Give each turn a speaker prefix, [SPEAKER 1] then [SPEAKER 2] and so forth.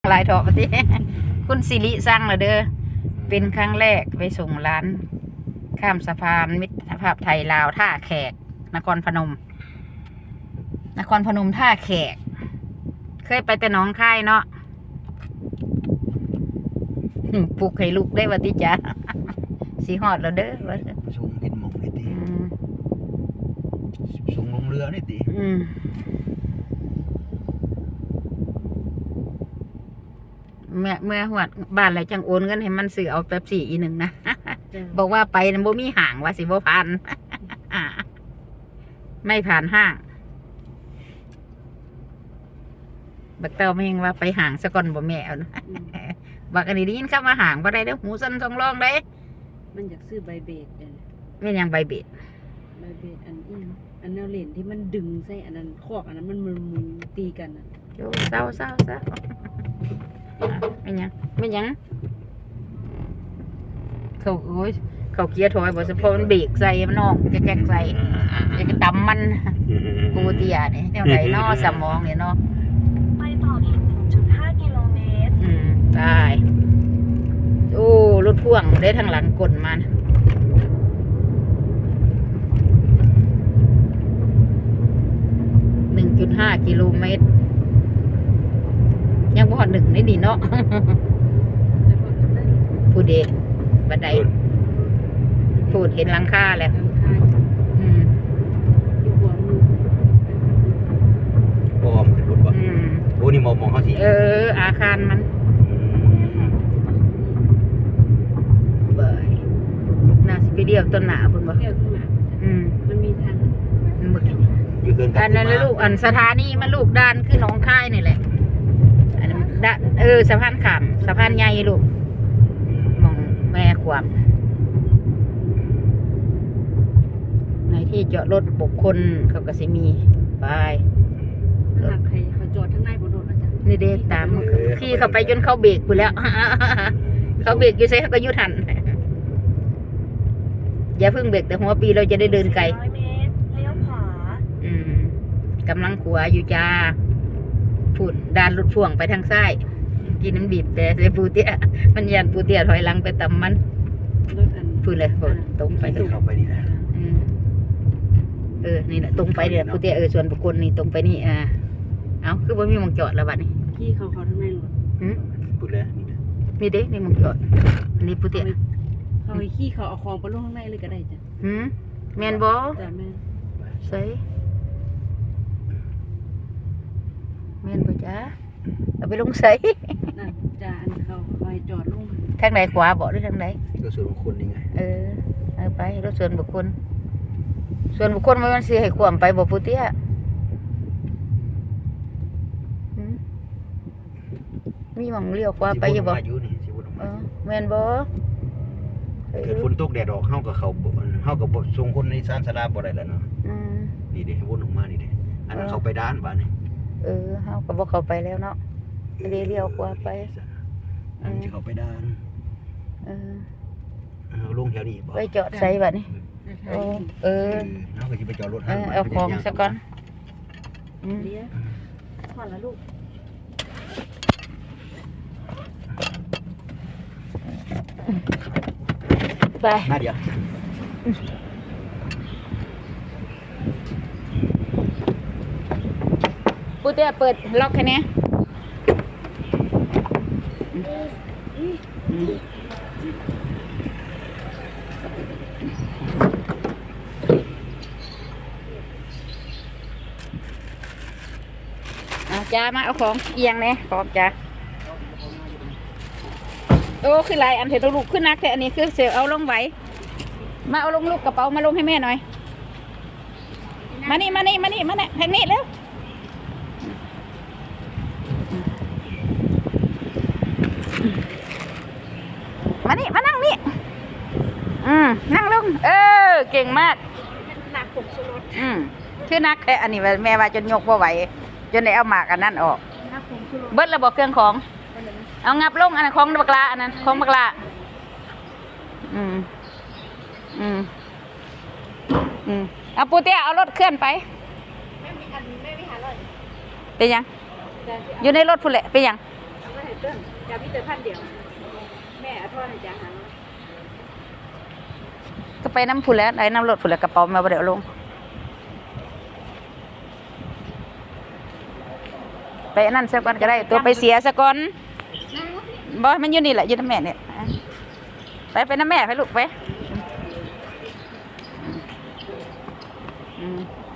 [SPEAKER 1] ลายทอกที่คุณสิริสั่งเหรอเด้อเป็นครั้งแรกไปส่งร้านข้ามสะพานมิตรภาพไทยลาวท่าแขกนครพนมท่าแขกเคยไปแต่หนองคายเนาะปลุกให้ลูกได้วัติจ้าสีหอดแล้วเด้อว่า
[SPEAKER 2] ส่งกินหมกนี่ตีส่งลงเรือนี่ตี
[SPEAKER 1] เมื่อหวดบ้านอะไรจังโอนเงินให้มันซื้อเอาแป๊บซี่อีหนึ่งนะบอกว่าไปนั้นบ่มีห่างว่าสิบ่ผ่านไม่ผ่านห้างบักเต้าไม่เห็นว่าไปห่างสะก่อนบ่แม่เอานะบักอันนี้ได้ยินคำว่าห่างบ่ได้เด้อหูสั่นสองร้องได้
[SPEAKER 3] มันอยากซื้อใบเบดเนี่ย
[SPEAKER 1] ไม่ยังใบเบ็ด
[SPEAKER 3] อันนี้อันแนวเหรียญที่มันดึงใส่อันนั้นคอกอันนั้นมันมึนตีกันอ่ะ
[SPEAKER 1] โย่เศร้าไม่ยังเขาโอ้ยเขาเกียร์ถอยบอกเฉพาะมันเบรกใส่มันนอกจะแกกใส่จะตำมันกูเตียเนี่ยเจ้าไหนนอสมองเนี่ยนอ
[SPEAKER 4] ไปต่ออีก 1.5 กิโลเมตร
[SPEAKER 1] ได้โอ้รถพ่วงได้ทางหลังกลมัน1.5 กิโลเมตรยังบ่หนึ่งนี่ดีเนาะผู้เด็กบันไดพูดเห็นหลังคาแล้ว
[SPEAKER 2] บอมเป็นรถบ่โอ้นี่มองเขาสิ
[SPEAKER 1] อาคารมันเบยน่าสิไปเดียวต้นหนาเพิ่นบ่
[SPEAKER 3] เดียวต้นหนามันมีทาง
[SPEAKER 1] อันนั้นลูกอันสถานีมันลูกด้านคือหนองคายนี่แหละอันนั้นด้านสะพานขามสะพานใหญ่ลูกมองแม่ความในที่จอดรถบุคคลเขาก็สิมีไป
[SPEAKER 3] หากใครเขาจอดข้างในบนรถอาจารย์
[SPEAKER 1] นี่เด็กตามขี่เข้าไปจนเขาเบรกไปแล้วเขาเบรกอยู่ใส่เขาก็ยุทันอย่าเพิ่งเบรกแต่หัวปีเราจะได้เดินไกลกำลังขัวอยู่จ้าพูดดานรถพ่วงไปทางซ้ายกินน้ำบีบแต่เสียปูเตี้ยมันยันปูเตี้ยถอยหลังไปต่ำมันพูดเลยตรงไป
[SPEAKER 2] เข้าไปนี่นะ
[SPEAKER 1] นี่แหละตรงไปเนี่ยปูเตี้ยส่วนบุคคลนี่ตรงไปนี่เอาคือว่ามีมองจอดแล้วบัดนี้
[SPEAKER 3] ขี้เขาทั้งในรถ
[SPEAKER 2] พูดเลย
[SPEAKER 1] นี่เด้นี่มองจอดอันนี้ปูเตี้ย
[SPEAKER 3] เขาไปขี้เขาเอาของไปลงข้างในเลยก็ได้จ้ะ
[SPEAKER 1] แมนบอ
[SPEAKER 3] จ้ะแม่
[SPEAKER 1] ใส่แม่นบ่จ้าเอาไปลงใส่
[SPEAKER 3] นั่นจ้าอันเขาคอยจอดลง
[SPEAKER 1] ทางไหนขวาบ่หรือทางไหน
[SPEAKER 2] รถส่วนบุคคลนี่ไง
[SPEAKER 1] เอาไปรถส่วนบุคคลมันสิให้ความไปบ่ปูเตี้ยมีหม่องเลี้ยวขวาไปอยู่บ่แม่นบ่
[SPEAKER 2] เกิดฝนตกแดดออกเฮากับบ่ส่งคนในศาลศาลาบ่ได้แล้วเนาะนี่เด้วนออกมานี่เด้อันนั้นเขาไปด้านบ้านนี่
[SPEAKER 1] เฮาก็บ่เข้าไปแล้วเนาะเลี้ยวขวาไป
[SPEAKER 2] อันจะเข้าไปด้านลงแถวนี้บ่
[SPEAKER 1] ไปจอดใส่บัดนี้
[SPEAKER 2] เฮาก็สิไปจอดรถ
[SPEAKER 1] เอาของซะก่อน
[SPEAKER 3] เดี๋ยวพอละลูก
[SPEAKER 1] ไป
[SPEAKER 2] มาเดี๋ยว
[SPEAKER 1] ปูเตี้ยเปิดล็อกแค่นี้จ้ามาเอาของเอียงเนี่ยขอบจ้าโอ้คือลายอันเถอะลูกขึ้นนักแต่อันนี้คือเสียเอาลงไว้มาเอาลงลูกกระเป๋ามาลงให้แม่หน่อยมานี่ทางนี้เร็วมานั่งนี่นั่งลงเก่งมาก
[SPEAKER 3] หนักผมสุด
[SPEAKER 1] คือนักแค่อันนี้แม่ว่าจนยกว่าไหวจนได้เอาหมากอันนั้นออกเบิดระบบเครื่องของเอางับลงอันนั้นของบักลาอันนั้นของบักลาเอาปูเตี้ยเอารถเคลื่อนไปไม่มีหารถเป็นยังอยู่ในรถพุ่นแหละเป็นยัง
[SPEAKER 3] เติ้งจะมีแต่พันเดียวแม่เอาทอดให้จ้าหา
[SPEAKER 1] ก็ไปน้ำพุ่นแล้วได้น้ำรถพุ่นแล้วกระเป๋ามาบ่ได้เอาลงไปอันนั่นซะก่อนก็ได้ตัวไปเสียซะก่อนบ่มันอยู่นี่แหละอยู่น้ำแม่เนี่ยไปน้ำแม่ไปลูกไป